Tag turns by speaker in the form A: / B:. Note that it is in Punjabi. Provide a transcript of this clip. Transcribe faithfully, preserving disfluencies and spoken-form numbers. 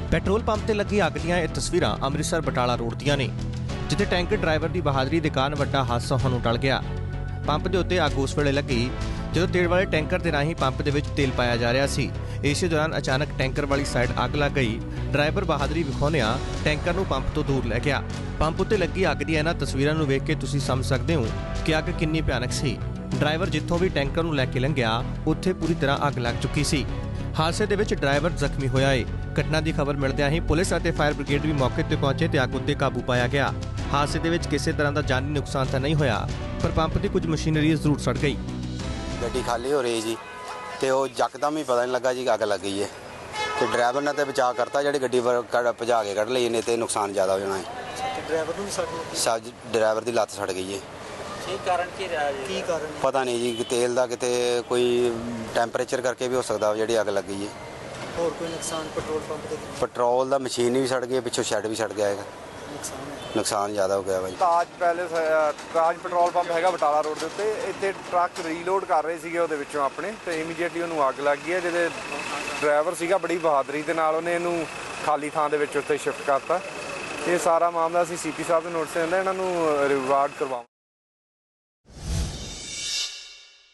A: ਪੈਟਰੋਲ ਪੰਪ ਤੇ ਲੱਗੀ ਅੱਗ ਦੀਆਂ ਇਹ ਤਸਵੀਰਾਂ ਅੰਮ੍ਰਿਤਸਰ ਬਟਾਲਾ ਰੋਡ ਦੀਆਂ ਨੇ, ਜਿੱਥੇ ਟੈਂਕਰ ਡਰਾਈਵਰ ਦੀ ਬਹਾਦਰੀ ਦੇ ਕਾਰਨ ਵੱਡਾ ਹਾਦਸਾ ਹੋਣ ਨੂੰ ਟਲ ਗਿਆ। ਪੰਪ ਦੇ ਉੱਤੇ ਅੱਗ ਉਸ ਵੇਲੇ ਲੱਗੀ ਜਦੋਂ ਤੇਲ ਵਾਲੇ ਟੈਂਕਰ ਦੇ ਰਾਹੀਂ ਪੰਪ ਦੇ ਵਿੱਚ ਤੇਲ ਪਾਇਆ ਜਾ ਰਿਹਾ ਸੀ। ਇਸੇ ਦੌਰਾਨ ਅਚਾਨਕ ਟੈਂਕਰ ਵਾਲੀ ਸਾਈਡ ਅੱਗ ਲੱਗ ਗਈ। ਡਰਾਈਵਰ ਬਹਾਦਰੀ ਵਿਖਾਉਂਦਿਆਂ ਟੈਂਕਰ ਨੂੰ ਪੰਪ ਤੋਂ ਦੂਰ ਲੈ ਗਿਆ। ਪੰਪ ਉੱਤੇ ਲੱਗੀ ਅੱਗ ਦੀਆਂ ਇਹਨਾਂ ਤਸਵੀਰਾਂ ਨੂੰ ਵੇਖ ਕੇ ਤੁਸੀਂ ਸਮਝ ਸਕਦੇ ਹੋ ਕਿ ਅੱਗ ਕਿੰਨੀ ਭਿਆਨਕ ਸੀ। ਡਰਾਈਵਰ ਜਿੱਥੋਂ ਵੀ ਟੈਂਕਰ ਨੂੰ ਲੈ ਕੇ ਲੰਘਿਆ ਉੱਥੇ ਪੂਰੀ ਤਰ੍ਹਾਂ ਅੱਗ ਲੱਗ ਚੁੱਕੀ ਸੀ। ਹਾਦਸੇ ਦੇ ਵਿੱਚ ਡਰਾਈਵਰ ਜ਼ਖਮੀ ਹੋਇਆ ਏ। ਘਟਨਾ ਦੀ ਖਬਰ ਮਿਲਦਿਆਂ ਹੀ ਪੁਲਿਸ ਅਤੇ ਫਾਇਰ ਬ੍ਰਿਗੇਡ ਵੀ ਮੌਕੇ ਤੇ ਪਹੁੰਚੇ ਤੇ ਅੱਗ ਉੱਤੇ ਕਾਬੂ ਪਾਇਆ ਗਿਆ। ਹਾਦਸੇ ਦੇ ਵਿੱਚ ਕਿਸੇ ਤਰ੍ਹਾਂ ਦਾ ਜਾਨੀ ਨੁਕਸਾਨ ਤਾਂ ਨਹੀਂ ਹੋਇਆ, ਪਰ ਪੰਪ ਦੀ ਕੁਝ ਮਸ਼ੀਨਰੀ ਜ਼ਰੂਰ ਸੜ ਗਈ।
B: ਗੱਡੀ ਖਾਲੀ ਹੋ ਰਹੀ ਜੀ ਤੇ ਉਹ ਯਕਦਮ ਹੀ ਪਤਾ ਨਹੀਂ ਲੱਗਾ ਜੀ ਅੱਗ ਲੱਗ ਗਈ ਹੈ ਤੇ ਡਰਾਈਵਰ ਨੇ ਤੇ ਬਚਾਅ ਕਰਤਾ, ਜਿਹੜੀ ਗੱਡੀ ਭਜਾ ਕੇ ਕੱਢ ਲਈ ਨੇ ਤੇ ਨੁਕਸਾਨ ਜ਼ਿਆਦਾ ਹੋ ਜਾਣਾ ਹੈ।
C: ਡਰਾਈਵਰ ਨੂੰ ਵੀ ਸੜ ਗਈ?
B: ਸੱਜ ਡਰਾਈਵਰ ਦੀ ਲੱਤ ਸੜ ਗਈ ਹੈ।
C: ਕੀ ਕਾਰਨ ਕੀ ਰਿਹਾ ਜੀ? ਕੀ ਕਾਰਨ
B: ਪਤਾ ਨਹੀਂ ਜੀ, ਤੇਲ ਦਾ ਕਿਤੇ ਕੋਈ ਟੈਂਪਰੇਚਰ ਕਰਕੇ ਵੀ ਹੋ ਸਕਦਾ ਜਿਹੜੀ ਅੱਗ ਲੱਗੀ ਹੈ।
C: ਹੋਰ ਕੋਈ ਨੁਕਸਾਨ ਪੈਟਰੋਲ ਪੰਪ ਤੇ?
B: ਪੈਟਰੋਲ ਦਾ ਮਸ਼ੀਨ ਵੀ ਸੜ ਗਈ, ਪਿੱਛੋਂ ਸ਼ੈੱਡ ਵੀ ਸੜ ਗਿਆ ਹੈਗਾ।
C: ਨੁਕਸਾਨ
B: ਨੁਕਸਾਨ ਜ਼ਿਆਦਾ ਹੋ ਗਿਆ ਭਾਈ।
D: Taj palace Taj petrol pump ਹੈਗਾ ਬਟਾਲਾ ਰੋਡ ਦੇ ਉੱਤੇ। ਇੱਥੇ ਟਰੱਕ ਰੀਲੋਡ ਕਰ ਰਹੇ ਸੀਗੇ ਉਹਦੇ ਵਿੱਚੋਂ ਆਪਣੇ, ਤੇ ਇਮੀਡੀਏਟਲੀ ਉਹਨੂੰ ਅੱਗ ਲੱਗ ਗਈ ਹੈ। ਜਿਹਦੇ ਡਰਾਈਵਰ ਸੀਗਾ ਬੜੀ ਬਹਾਦਰੀ ਦੇ ਨਾਲ ਉਹਨੇ ਇਹਨੂੰ ਖਾਲੀ ਥਾਂ ਦੇ ਵਿੱਚ ਉੱਤੇ ਸ਼ਿਫਟ ਕਰਤਾ। ਇਹ ਸਾਰਾ ਮਾਮਲਾ ਅਸੀਂ ਸੀ ਪੀ ਸਾਹਿਬ ਦੇ ਨੋਟਿਸ 'ਤੇ ਆਂਦਾ, ਇਹਨਾਂ ਨੂੰ ਰਿਵਾਰਡ ਕਰਵਾਵਾਂ।